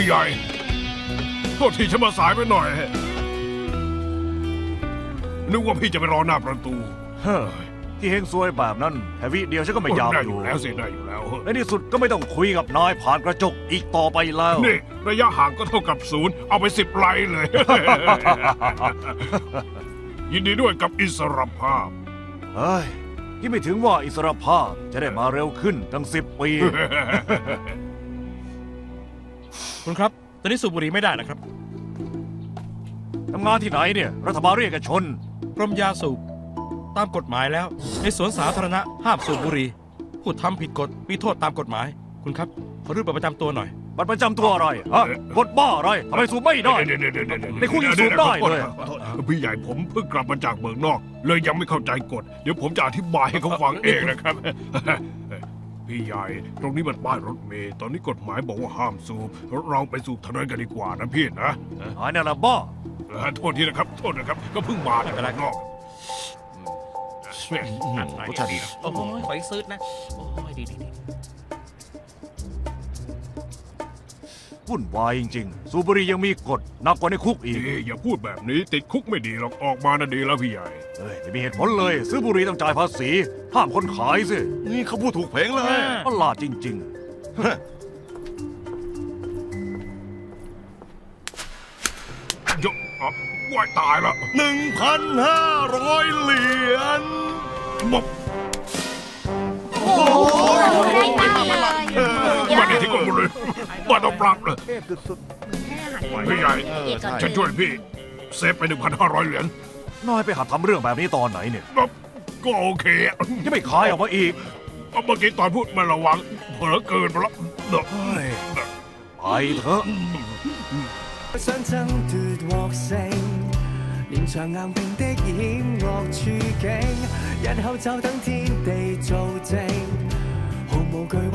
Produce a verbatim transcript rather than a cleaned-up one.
ใหญ่โทษทีฉันมาสายไปหน่อยนึกว่าพี่จะไปรอหน้าประตูเฮ้ยที่เฮงซวยแบบนั้นแค่วิเดียวฉันก็ไม่อยากได้ออยู่ ยู่แล้วสิได้อยู่แล้วในที่สุดก็ไม่ต้องคุยกับนายผ่านกระจกอีกต่อไปแล้วนี่ระยะห่างก็เท่ากับศูนย์เอาไปสิบไลน์เลย ยินดีด้วยกับอิสรภาพเฮ้ยคิดไม่ถึงว่าอิสรภาพจะได้มาเร็วขึ้นตั้งสิบปีคุณครับตอนนี้สูบบุหรี่ไม่ได้นะครับทำงานที่ไหนเนี่ยรัฐบาลเรียกเอกชนกรมยาสูบตามกฎหมายแล้วในสวนสาธารณะห้ามสูบบุหรี่ผู้ทำผิดกฎมีโทษตามกฎหมายคุณครับขอรูปบัตรประจำตัวหน่อยบัตรประจำตัวอะไรฮะกฎบ้าอะไรทำไมสูบไม่ได้ในคุกยังสูบได้เลยพี่ใหญ่ผมเพิ่งกลับมาจากเมืองนอกเลยยังไม่เข้าใจกฎเดี๋ยวผมจะอธิบายให้เขาฟังเองนะครับพี่ใหญ่ตรงนี้มันป้ายรถเมล์ตอนนี้กฎหมายบอกว่าห้ามสูบเราไปสูบถนนกันดีกว่านะพี่นะหายนั่นละบ้าโทษทีนะครับโทษนะครับก็เพิ่งมาจากเมืองนอกรสชาติดีโอ้ยขออีกซื้อนะโอ้ยดีดีวุ่นวายจริงๆสูบบุหรี่ยังมีกฎหนักกว่าในคุกอีกอย่าพูดแบบนี้ติดคุกไม่ดีหรอกออกมาน่ะดีแล้วพี่ใหญ่เฮ้ยไม่มีเหตุผลเลยซื้อบุหรี่ต้องจ่ายภาษีห้ามคนขายสินี่เขาพูดถูกเพลงเลยประหลาดจริงๆยกอ่ะว่ายตายละหนึ่งพันห้าร้อยเหรียญบอกโอ้ยได้ตามเลยมาดีที่กดหมดเลยมาต้องปรับเลยพี่ใหญ่ฉันช่วยพี่เซฟไปหนึ่งพันห้าร้อยเหรียญน้อยไปหัดทำเรื่องแบบนี้ตอนไหนเนี่ยก็โอเคยังไม่ขายออกมาอีกเมื่อกี้ตอนพูดไม่ระวังเผลอเกินไปแล้วเด็กไปเถอะ想爭奪獲勝，連場硬拼的險惡處境，日後就等天地做證，毫無懼。